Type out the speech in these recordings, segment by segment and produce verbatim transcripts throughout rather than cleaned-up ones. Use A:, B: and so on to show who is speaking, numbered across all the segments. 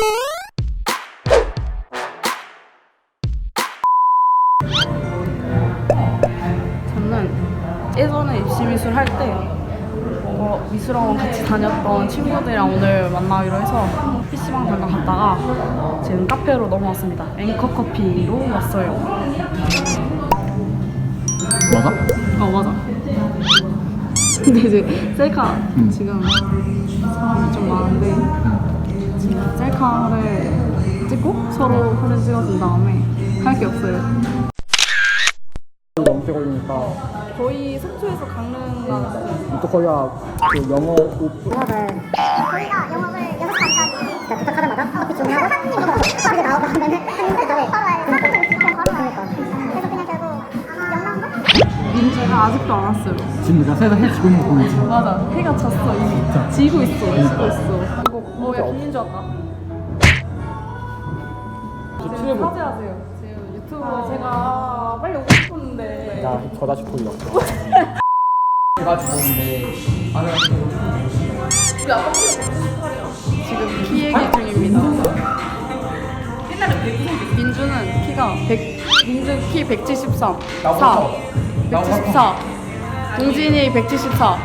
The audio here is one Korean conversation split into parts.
A: 저는 예전에 입시미술 할 때 어, 미술학원 같이 다녔던 친구들이랑 오늘 만나기로 해서 피시방 잠깐 갔다가 지금 카페로 넘어왔습니다. 앵커커피로 왔어요.
B: 맞아?
A: 어 맞아. 근데 이제 셀카
B: 음.
A: 지금 사람이 좀 많은데
B: 응.
A: 지금 셀카를 찍고 서로 사진 찍어준 다음에 할 게 없어요.
B: 넘게 걸리니까
A: 거의 속초에서 강릉 가는
B: 이토코리아 그 영어 오프
C: 영업을 저희가 영업을 여섯 시간까지 진짜 도착하자마자 커피 주문하고 이제 나오고 하면은 한국에 바로 와요. 그러니까 그래서 그냥 결국 영남도?
A: 민지가 아직도 안 왔어요.
B: 지금 내가 새서 해 지고 있는 거 보이지?
A: 맞아. 해가 졌어 이미.
B: 진짜.
A: 지고 있어. 지고
B: 그러니까.
A: 있어. 이거 뭐야 김민주 왔다. 지금
B: 칠분.
A: 사죄하세요. 지금 유튜브 제가 빨리 오고 싶었는데.
B: 야, 저 다시 돌렸어. 제가 좋은데 아는
A: 지금 키 얘기 중입니다. 민주는 키가 백, 민주 키 백칠십삼, 사, 백칠십사. 동진이 백칠십사.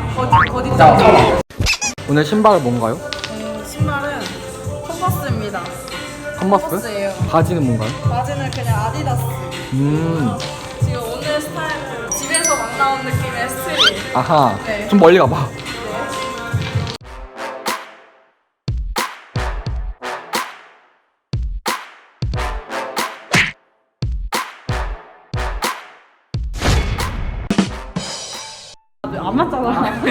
B: 오늘 신발은 뭔가요?
A: 음, 신발은 컨버스입니다.
B: 컨버스?
A: 컨버스예요.
B: 바지는 뭔가요?
A: 바지는 그냥 아디다스.
B: 음,
A: 지금 오늘 스타일은 집에서 막 나온 느낌의 스트릿.
B: 아하.
A: 네.
B: 좀 멀리 가봐.
A: 안 맞잖아.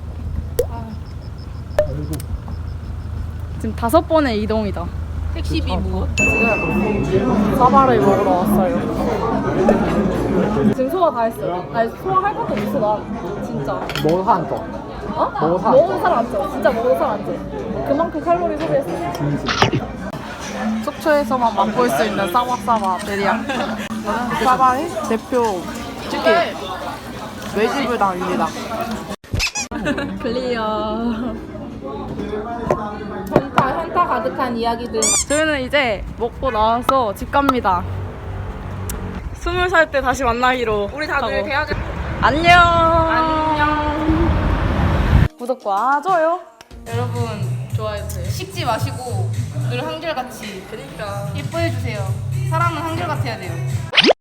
A: 지금 다섯 번의 이동이다. 택시비 뭐? 지금 사바를 먹으러 왔어요. 지금 소화 다 했어요. 아니 소화할 것도 없어 나 진짜.
B: 먹어도 살안 쪄.
A: 어?
B: 먹어도 살 안
A: 먹어도 살 안 쪄. 진짜 먹어도 살 안 쪄. 그만큼 칼로리 소비했어.
B: 진심.
A: 속초에서만 맛볼 수 있는 사바사바 베리야. 저는 사바의 대표 치킨 외지불당입니다. 클리어.
D: 현타, 현타 가득한 이야기들.
A: 저희는 이제 먹고 나와서 집 갑니다. 스물 살 때 다시 만나기로. 우리 다들 대학에 안녕. 안녕. 구독과 좋아요. 여러분 좋아해주세요.
D: 식지 마시고 늘 한결같이
A: 그러니까.
D: 예뻐해주세요. 사람은 한결같아야 돼요.